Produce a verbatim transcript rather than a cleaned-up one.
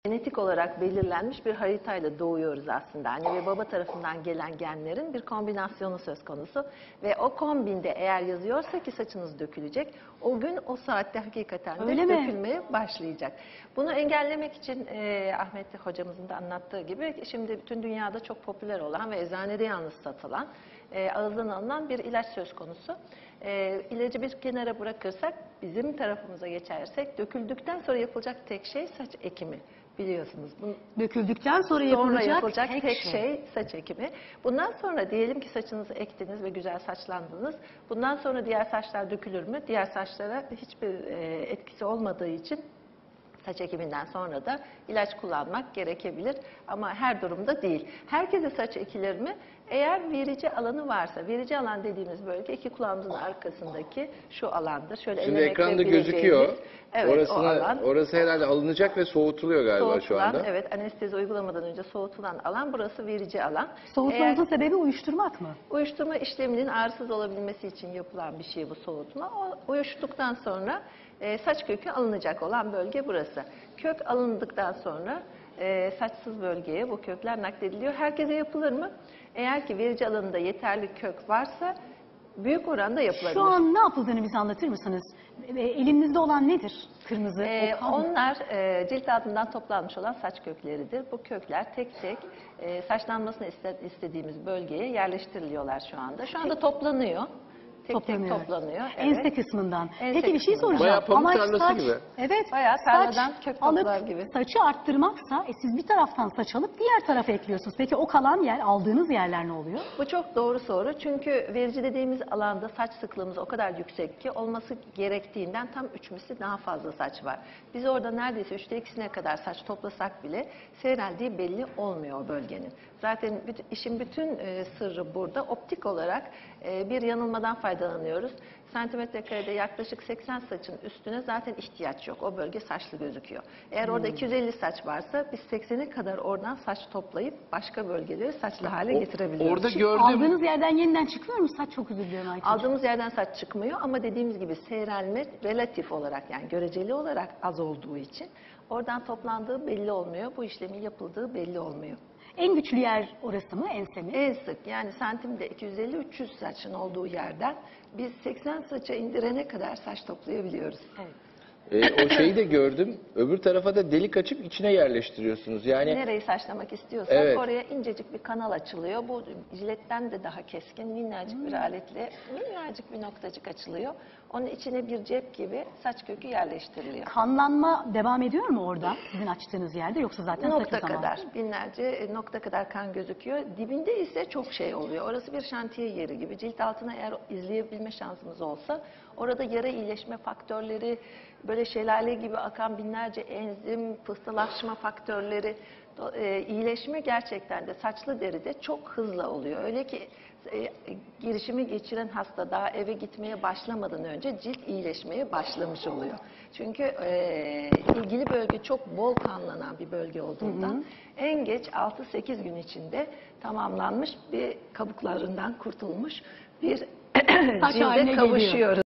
Genetik olarak belirlenmiş bir haritayla doğuyoruz aslında. Anne ve baba tarafından gelen genlerin bir kombinasyonu söz konusu. Ve o kombinde eğer yazıyorsa ki saçınız dökülecek, o gün o saatte hakikaten de Öyle mi? dökülmeye başlayacak. Bunu engellemek için e, Ahmet hocamızın da anlattığı gibi şimdi bütün dünyada çok popüler olan ve eczanede yalnız satılan, e, ağızdan alınan bir ilaç söz konusu. E, ilacı bir kenara bırakırsak, bizim tarafımıza geçersek, döküldükten sonra yapılacak tek şey saç ekimi. Biliyorsunuz. Bunu Döküldükten sonra yapılacak, sonra yapılacak tek, tek şey. şey saç ekimi. Bundan sonra diyelim ki saçınızı ektiniz ve güzel saçlandınız. Bundan sonra diğer saçlar dökülür mü? Diğer saçlara hiçbir e, etkisi olmadığı için saç ekiminden sonra da ilaç kullanmak gerekebilir. Ama her durumda değil. Herkese saç ekilir mi? Eğer verici alanı varsa, verici alan dediğimiz bölge iki kulağımızın arkasındaki şu alandır. Şöyle Şimdi ellemekle ekranda bileceğimiz, gözüküyor. evet, Orasına, o alan. orası herhalde alınacak ve soğutuluyor galiba Soğutulan, şu anda. evet, anestezi uygulamadan önce soğutulan alan, burası verici alan. Soğutmanızın Eğer, sebebi uyuşturmak mı? Uyuşturma işleminin ağrısız olabilmesi için yapılan bir şey bu soğutma. O uyuştuktan sonra e, saç kökü alınacak olan bölge burası. Kök alındıktan sonra e, saçsız bölgeye bu kökler naklediliyor. Herkese yapılır mı? Eğer ki verici alanında yeterli kök varsa büyük oranda yapılabilir. Şu an ne yapıldığını bize anlatır mısınız? E, elinizde olan nedir? Kırmızı. Ee, o onlar e, cilt altından toplanmış olan saç kökleridir. Bu kökler tek tek e, saçlanmasını iste, istediğimiz bölgeye yerleştiriliyorlar şu anda. Şu anda toplanıyor. Tek toplanıyor. tek toplanıyor. Ense Evet. kısmından. Ense Peki bir şey kısmından. soracağım. Bayağı pamuk Amaç tarlası saç, gibi. Evet. Bayağı saç tarladan kök toplar alıp gibi. saçı arttırmaksa e, siz bir taraftan saç alıp diğer tarafa ekliyorsunuz. Peki o kalan yer, aldığınız yerler ne oluyor? Bu çok doğru soru. Çünkü verici dediğimiz alanda saç sıklığımız o kadar yüksek ki olması gerektiğinden tam üç misli daha fazla saç var. Biz orada neredeyse üçte ikisine kadar saç toplasak bile seyreldiği belli olmuyor o bölgenin. Zaten bütün, işin bütün e, sırrı burada. Optik olarak e, bir yanılmadan faydalanıyoruz. Santimetre karede yaklaşık seksen saçın üstüne zaten ihtiyaç yok. O bölge saçlı gözüküyor. Eğer orada Hmm. iki yüz elli saç varsa biz seksene kadar oradan saç toplayıp başka bölgeleri saçlı hale O- getirebiliyoruz. orada Şimdi gördüm. aldığınız yerden yeniden çıkıyor mu? Saç çok özür diliyorum Ayça. Aldığımız yerden saç çıkmıyor ama dediğimiz gibi seyrelme relatif olarak, yani göreceli olarak az olduğu için oradan toplandığı belli olmuyor. Bu işlemin yapıldığı belli olmuyor. En güçlü yer orası mı? Ense mi? En sık, yani santimde iki yüz elli üç yüz saçın olduğu yerden biz seksen saça indirene kadar saç toplayabiliyoruz. Evet. Ee, o şeyi de gördüm. Öbür tarafa da delik açıp içine yerleştiriyorsunuz. Yani Nereyi saçlamak istiyorsak Evet. oraya incecik bir kanal açılıyor. Bu jiletten de daha keskin, minnacık bir aletle minnacık bir noktacık açılıyor. Onun içine bir cep gibi saç kökü yerleştiriliyor. Kanlanma devam ediyor mu orada sizin açtığınız yerde, yoksa zaten Nokta saçı zaman? kadar, binlerce e, nokta kadar kan gözüküyor. Dibinde ise çok şey oluyor. Orası bir şantiye yeri gibi. Cilt altına eğer izleyebilme şansımız olsa, orada yara iyileşme faktörleri, böyle şelale gibi akan binlerce enzim, pıhtılaşma faktörleri, e, iyileşme gerçekten de saçlı deride çok hızlı oluyor. Öyle ki e, girişimi geçiren hasta daha eve gitmeye başlamadan önce cilt iyileşmeye başlamış oluyor. Çünkü e, ilgili bölge çok bol kanlanan bir bölge olduğundan hı hı. en geç altı sekiz gün içinde tamamlanmış bir kabuklarından kurtulmuş bir Saç haline cilde geliyor. kavuşuyoruz.